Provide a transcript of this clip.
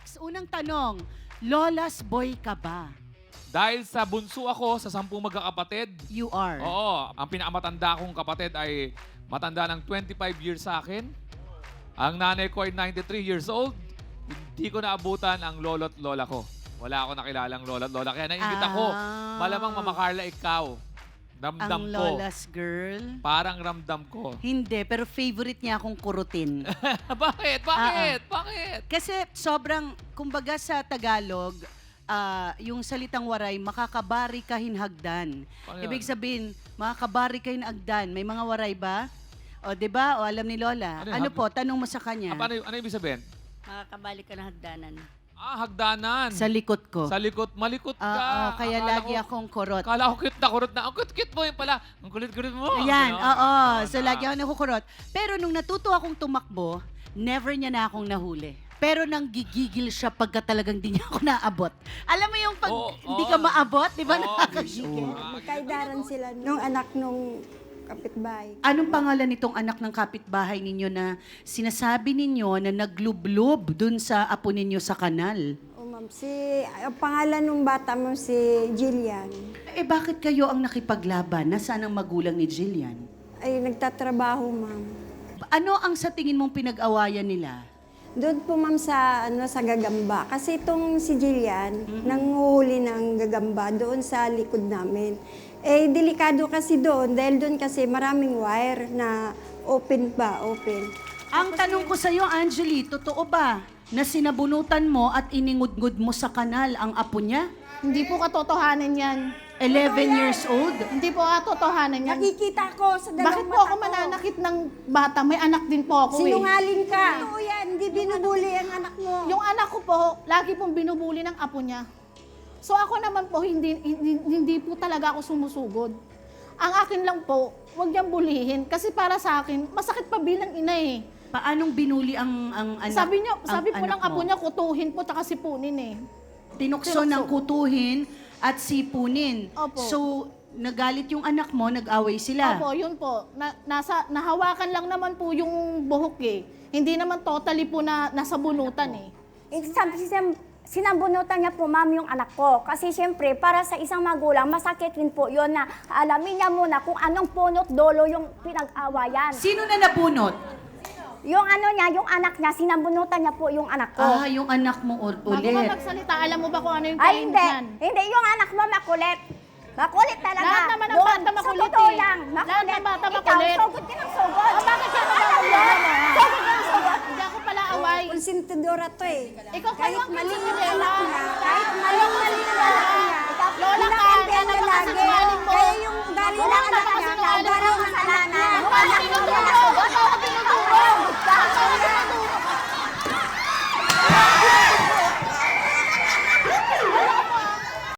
Max, unang tanong, Lola's boy ka ba? Dahil sa bunso ako sa 10 magkakapatid, You are. oo, ang pinakamatanda kong kapatid ay matanda ng 25 years sa akin. Ang nanay ko ay 93 years old. Hindi ko naabutan ang lolo't lola ko. Wala ako nakilalang lolo't lola. Kaya nainggit ako. Ah. Malamang Mama Carla, ikaw. Ramdam Ang ko. Lola's girl? Parang ramdam ko. Hindi, pero favorite niya akong kurutin. Bakit? Bakit? Bakit? Kasi sobrang, kumbaga sa Tagalog, yung salitang waray, makakabari ka hinhagdan. Ano yun? Ibig sabihin, makakabari ka hinhagdan. May mga waray ba? O, di ba? O, alam ni Lola. Ano yun? Ano po? Tanong mo sa kanya. Ano ibig sabihin? Makakabalik ka ng hagdanan. Hagdanan. Sa likod ko. Sa likod. Malikot ka. Kaya Akala lagi ko- akong kurot. Akala ko cute na kurot na. Ang cute mo yun pala. Ang kulit-kulit mo. Ayan, Ganon. oo. So, Na. lagi ako nakukurot. Pero nung natuto akong tumakbo, never niya na akong nahuli. Pero nang gigigil siya pagka talagang di niya ako naabot. Alam mo yung pag Oo, hindi oo. ka maabot, di ba Oo, nakakagigil? Magkaidaran sila nung anak nung kapitbahay. Anong pangalan nitong anak ng kapitbahay ninyo na sinasabi ninyo na naglublob dun sa apo ninyo sa kanal? O ma'am, ang pangalan ng bata mo si Jillian Eh bakit kayo ang nakipaglaban? Nasaan ang magulang ni Jillian? ay nagtatrabaho ma'am. Ano ang sa tingin mong pinag-awayan nila? Doon po ma'am sa sa gagamba. Kasi itong si Jillian, nanguhuli ng gagamba doon sa likod namin. Eh, delikado kasi doon dahil doon kasi maraming wire na open. Ang tanong ko sa iyo, Angeli, totoo ba na sinabunutan mo at iningudngud mo sa kanal ang apo niya? Hindi po katotohanan yan. 11 years old? Hindi po katotohanan yan. Nakikita ko sa dalawang Bakit po ako mananakit ng bata? May anak din po ako Sinungaling ka. Totoo yan, hindi binubuli ang anak mo. Yung anak ko po, lagi pong binubuli ng apo niya. So ako naman po, hindi po talaga ako sumusugod. Ang akin lang po, huwag niyang bulihin. Kasi para sa akin, masakit pa bilang ina eh. Paanong binuli ang anak? Sabi po anak ng apo mo? niya, kutuhin po, taka sipunin eh. Tinukso ng kutuhin at sipunin. Opo. So, nagalit yung anak mo, nag-away sila. Opo, yun po. Nahawakan lang naman po yung buhok eh. Hindi naman totally po na nasa bunutan eh. Sinabunutan niya po, ma'am, yung anak ko. Kasi siyempre, para sa isang magulang, masakit rin po yun na alamin niya muna kung anong punot dolo yung pinag-awayan. Sino na nabunot? Yung ano niya, yung anak niya, sinabunutan niya po yung anak ko. Yung anak mo Bago ka ulit. magsalita, alam mo ba kung ano yung Ay, kain hindi. dyan? Hindi, yung anak mo makulit. Makulit talaga. Lahat naman ng Doon, bata makulit Sa totoo eh. lang, Lahat makulit. ng bata Ikaw, makulit. sugod ka ng sugod. Bakit ka Alam nababala mo? mo? Sugod ka ng sugod. Hindi ako pala away. Konsentidora to eh. Ikaw kayo ang mali yung kinikilala. anak niya, kahit mali yung anak niya,